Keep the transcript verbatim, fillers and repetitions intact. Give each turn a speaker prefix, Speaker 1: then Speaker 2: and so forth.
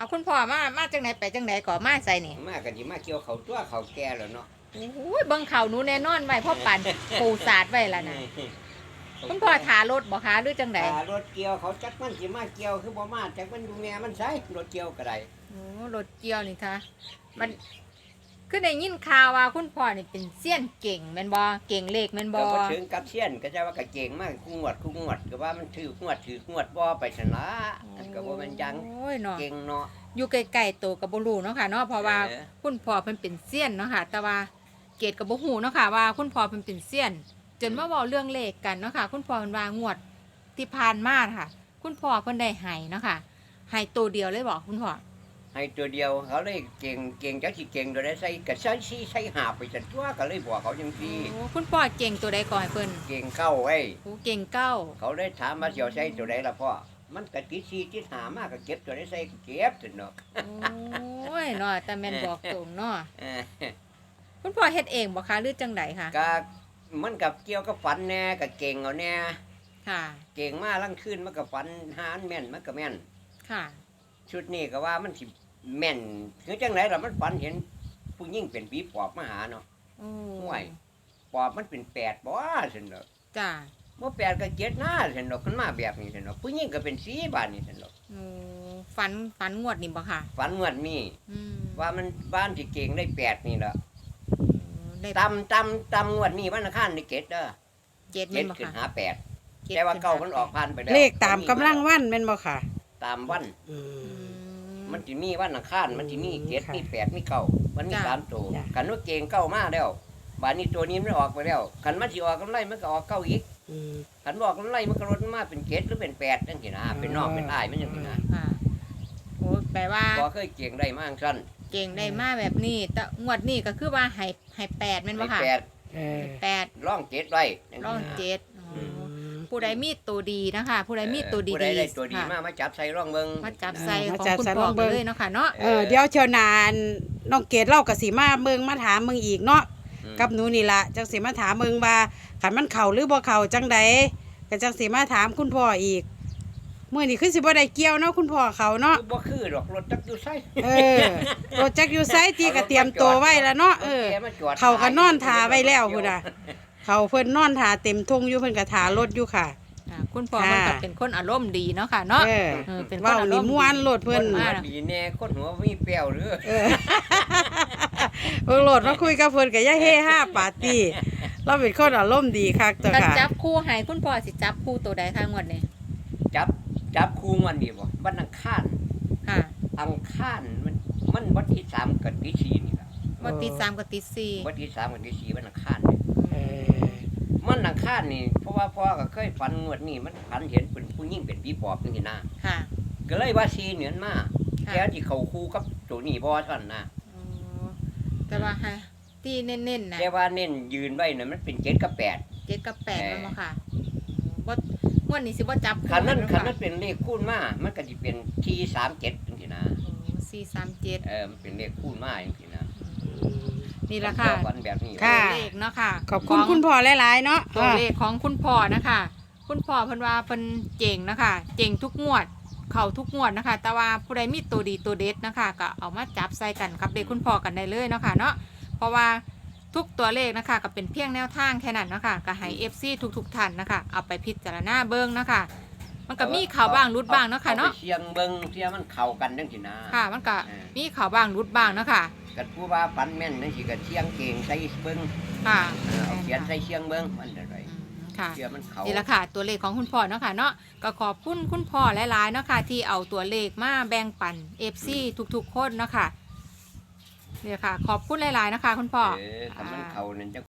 Speaker 1: เอาคุณพ่อมามาจังไหนไปจังไหนก่อมาใส่นี่
Speaker 2: มากันสิมาเกี่ยวเขาตัวเขาแก่แล้วเนาะ
Speaker 1: โอ้ยเบิ่งเข่าหนูแน่นอนไว้พ่อปั่นปูสาดไว้แล้วนะคุณพ่อถารถบ่คะหรือจังได๋
Speaker 2: รถเกี่ยวเขาจักมันสิมาเกี่ยวคือบ่มาจักมันดูแม่มันใช้รถเกี่ยวก็ได้
Speaker 1: โอ้รถเกี่ยวนี่ค่ะมันคือได้ยินข่าวว่าคุณพ่อนี่เป็นเซียนเก่งแม่นบ่เก่งเลขแม่นบ่
Speaker 2: ก็บ่ถึงกับเซียนก็จะว่าก็เก่งมากคู่งวดคู่งวดก็ว่ามันถืองวดถืองวดบ่ไปชนะก็บ่แม่นยังเก่งเนาะ
Speaker 1: อยู่ใกล้ๆตัวก็บ่รู้เนาะค่ะเนาะเพราะว่าคุณพ่อเพิ่นเป็นเซียนเนาะค่ะแต่ว่าเกดก็บ่ฮู้เนาะค่ะว่าคุณพ่อเพิ่นเป็นเซียนจนมาเว้าเรื่องเลขกันเนาะค่ะคุณพ่อเพิ่นว่างวดที่ผ่านมาค่ะคุณพ่อเพิ่นได้ให้เนาะค่ะให้ตัวเดียวเลยบ่คุณพ่อ
Speaker 2: ให้ตัวเดียวเขาเลยเก่งเก่งจักสิเก่งตัวใดใส่ก็ใส่สิใส่หาไปจังตัวก็เลยบอกเขาจังซี่
Speaker 1: โอ้คุณพ่อเก่งตัวใดก่อนให้เพิ่น
Speaker 2: เก่งเก้าเอ้ย
Speaker 1: โอ้เก่งเก้า
Speaker 2: เขาได้ถามมาสิเอาใส่ตัวใดล่ะพ่อมันก็ติดสี่ติดห้ามาก็เก็บตัวใดใส่ก็เก็บซั่นเนาะ
Speaker 1: โอ้ยเนาะแต่แม่นบอกตรงเนาะคุณพ่อเฮ็ดเองบ่คะหรือจังไดคะ
Speaker 2: ก็มันกับเกี่ยวกับฝันแน่ก็เก่งเอาแน่
Speaker 1: ค่ะ
Speaker 2: เก่งมาลังคืนมันก็ฝันหาอันแม่นมันก็แม่น
Speaker 1: ค่ะ
Speaker 2: ชุดนี้ก็ว่ามันสิแม่นคือจังไดล่ะมันฝันเห็นผู้หญิงเป็นผีปอบมาหาเนาะ
Speaker 1: โอ้
Speaker 2: ห่วยปอบมันเป็นแปดบ่ซั่นเนาะ
Speaker 1: จ้า
Speaker 2: บ่แปดก็เจ็ดนะซั่นเนาะขึ้นมาแบบนี้ซั่นเนาะผู้หญิงก็เป็นสีบาดนี้ซั่นเนาะ
Speaker 1: โอ้ฝันฝันงวดนี่บ่ค่ะ
Speaker 2: ฝันงวดนี้ว่ามันบ้านที่เก่งได้แปดนี่ล่ะตำตำตำงวดนี้วันอังคารนี่เจ็ดเด้อ
Speaker 1: เจ็ดแม่นบ่
Speaker 2: ค่ะ
Speaker 1: หา
Speaker 2: แปดแต่ว่าเก้ามันออกผ่านไปแล้ว
Speaker 3: เลขตามกำลังวันแม่นบ่ค่ะ
Speaker 2: ตามวันมันสิมีวันอังคารมันสิมีเจ็ดมีแปดมีเก้ามันมีสามตัวคันว่าเก่งเก้ามาแล้วบาดนี้ตัวนี้มันออกไปแล้วคันมันสิออกกำไรมันก็ออกเก้าอีกคันบอกกำไรมันก็ลดมาเป็นเจ็ดหรือเป็นแปดจังซี่นะเป็นนอกเป็นอ้ายมันจังซี่นะ
Speaker 1: ค่ะโอ้แปลว่า
Speaker 2: บ่เคยเก่งได้มาจังซั่น
Speaker 1: เก่งได้มาแบบนี้แต่งวดนี้ก็คือว่าให้ให้แปดแม่นบ่ค่ะ
Speaker 2: แปด
Speaker 1: เออแปด
Speaker 2: ร่องเจ็ดไว้
Speaker 1: ร่องเจ็ดผู้ใดมีตัวดีนะคะผู้ใดมีตัวดี
Speaker 2: ผู้ใดได้ตัวดีมามาจับใส่ร่องเบิ่ง
Speaker 1: มาจับใส่ของคุณพ่อเลยเนาะค่ะเนาะ
Speaker 3: เออเดี๋ยวเชียวนานน้องเกดเล่าก็สิมาเบิ่งมาถามมึงอีกเนาะกับหนูนี่ล่ะจังสิมาถามมึงว่าคันมันเข้าหรือบ่เข้าจังใดก็จังสิมาถามคุณพ่ออีกมื้อนี้คือสิบ่ได้เกี่ยวเนาะคุณพ่อเขาเนาะ
Speaker 2: บ่คือดอกรถจักอยู่ไส
Speaker 3: เออรถจักอยู่ไสที่ก็เตรียมตัวไว้แล้วเนาะเออเขาก็นอนท่าไว้แล้วพุ่นน่ะเขาเพิ่นนอนท่าเต็มทุ่งอยู่เพิ่นก็ท่ารถอยู่ค่ะ
Speaker 1: คุณพ่อมันก็เป็นคนอารมณ์ดีเนาะค่ะเนาะ
Speaker 3: เออเป็นคนอารมณ์ม่วนโลดเพิ่น
Speaker 2: ดีแน่คนหัวมีเปรี้ยวหรือ
Speaker 3: เออเพิ่นโลดมาคุยกับเพิ่นก็อย่าเฮฮาปาร์ตี้เราเป็นคนอารมณ์ดีคักตัวค่ะ
Speaker 1: จับคู่ให้คุณพ่อสิจับคู่ตัวใดคะงวดนี้
Speaker 2: จับจับคู่วันนี้บ่วันอังคาร
Speaker 1: ค่ะ
Speaker 2: อังคารมันมันวันที่สามกับที่สี่นี่ล่ะ
Speaker 1: วันที่สามกับที่สี่
Speaker 2: วันที่สามกับที่สี่วันอังคารเออมันอังคารนี่เพราะว่าพ่อก็เคยฝันงวดนี้มันฝันเห็นเป็นผู้หญิงเป็นผีปอบจังซี่นะ
Speaker 1: ค่ะ
Speaker 2: ก็เลยว่าสี่เหนือนมาแล้วที่เข้าคู่กับตัวนี้บ่ซั่นนะ
Speaker 1: อ๋อแต่ว่าฮะที่เน้นๆนะ
Speaker 2: แต่ว่าเน้นยืนไว้น่ะมันเป็นเจ็ดกับแปด
Speaker 1: เจ็ดกับแปดนั่นบ่ค่ะบ่งวดนี้สิบ่จับ
Speaker 2: คันนั้นคันนั้นเป็นเลขคูณมามันก็สิเป็นสี่ สาม เจ็ดจังซี่นะ
Speaker 1: อ๋อสี่ สาม เจ็ด
Speaker 2: เออมันเป็นเลขคูณมาจังซี่นะ
Speaker 1: นี่แหละค่ะ
Speaker 2: ฝันแบบนี้
Speaker 1: ค่ะเลขเนาะค่ะ
Speaker 3: ขอบคุณคุณพ่อหลายๆเนาะ
Speaker 1: ตัวเลขของคุณพ่อนะคะคุณพ่อเพิ่นว่าเพิ่นเจ๋งนะคะเจ๋งทุกงวดเข้าทุกงวดนะคะแต่ว่าผู้ใดมีตัวดีตัวเด็ดนะคะก็เอามาจับใส่กันกับเลขคุณพ่อกันได้เลยเนาะค่ะเนาะเพราะว่าทุกตัวเลขนะคะก็เป็นเพียงแนวทางแค่นั้นนะคะก็ให้ เอฟ ซี ทุกๆท่านนะคะเอาไปพิจารณาเบิ่งนะคะมันก็มีข่าวบ้างรุดบ้างเนาะค่ะเนาะ
Speaker 2: เสียงเบิ่งเสียมันเข้ากันจังซี่นะ
Speaker 1: ค่ะมันก็มีข่าวบ้างรุดบ้างเนาะค่ะ
Speaker 2: กันผู้ว่าฝันแม่นจังซี่ก็เสียงเก่งใส่เบิ่ง
Speaker 1: ค่ะ
Speaker 2: เอาเขียนใส่เสียงเบิ่งมันได้
Speaker 1: ค่ะนี่แหละค่ะตัวเลขของคุณพ่อเนาะค่ะเนาะก็ขอบคุณคุณพ่อหลายๆเนาะค่ะที่เอาตัวเลขมาแบ่งปัน เอฟ ซี ทุกๆคนเนาะค่ะนี่ค่ะขอบคุณหลายๆนะคะคุณพ่อ
Speaker 2: เออถ้ามันเข้านั่นจะ